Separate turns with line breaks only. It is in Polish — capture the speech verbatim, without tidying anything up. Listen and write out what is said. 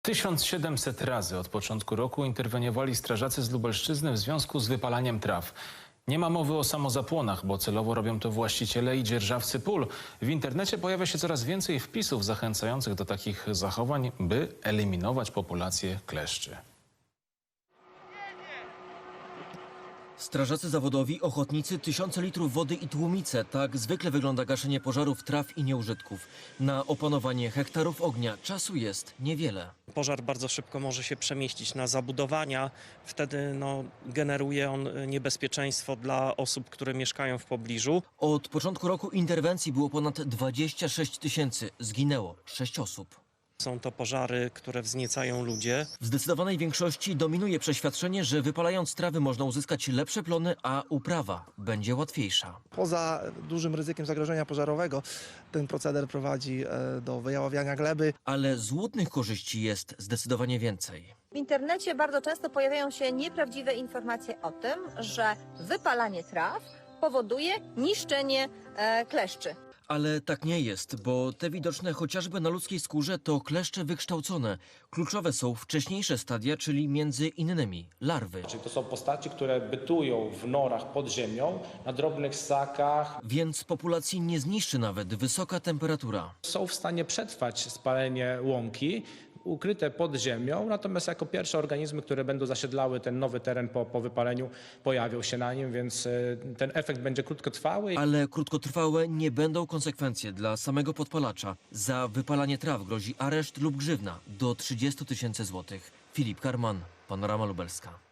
tysiąc siedemset razy od początku roku interweniowali strażacy z Lubelszczyzny w związku z wypalaniem traw. Nie ma mowy o samozapłonach, bo celowo robią to właściciele i dzierżawcy pól. W internecie pojawia się coraz więcej wpisów zachęcających do takich zachowań, by eliminować populację kleszczy.
Strażacy zawodowi, ochotnicy, tysiące litrów wody i tłumice. Tak zwykle wygląda gaszenie pożarów traw i nieużytków. Na opanowanie hektarów ognia czasu jest niewiele.
Pożar bardzo szybko może się przemieścić na zabudowania. Wtedy no, generuje on niebezpieczeństwo dla osób, które mieszkają w pobliżu.
Od początku roku interwencji było ponad dwadzieścia sześć tysięcy. Zginęło sześć osób.
Są to pożary, które wzniecają ludzie.
W zdecydowanej większości dominuje przeświadczenie, że wypalając trawy można uzyskać lepsze plony, a uprawa będzie łatwiejsza.
Poza dużym ryzykiem zagrożenia pożarowego ten proceder prowadzi do wyjaławiania gleby.
Ale złudnych korzyści jest zdecydowanie więcej.
W internecie bardzo często pojawiają się nieprawdziwe informacje o tym, że wypalanie traw powoduje niszczenie e, kleszczy.
Ale tak nie jest, bo te widoczne chociażby na ludzkiej skórze to kleszcze wykształcone. Kluczowe są wcześniejsze stadia, czyli między innymi larwy.
Czyli to są postaci, które bytują w norach pod ziemią, na drobnych ssakach.
Więc populacji nie zniszczy nawet wysoka temperatura.
Są w stanie przetrwać spalenie łąki, ukryte pod ziemią, natomiast jako pierwsze organizmy, które będą zasiedlały ten nowy teren po, po wypaleniu, pojawią się na nim, więc ten efekt będzie krótkotrwały.
Ale krótkotrwałe nie będą konsekwencje dla samego podpalacza. Za wypalanie traw grozi areszt lub grzywna do trzydziestu tysięcy złotych. Filip Karman, Panorama Lubelska.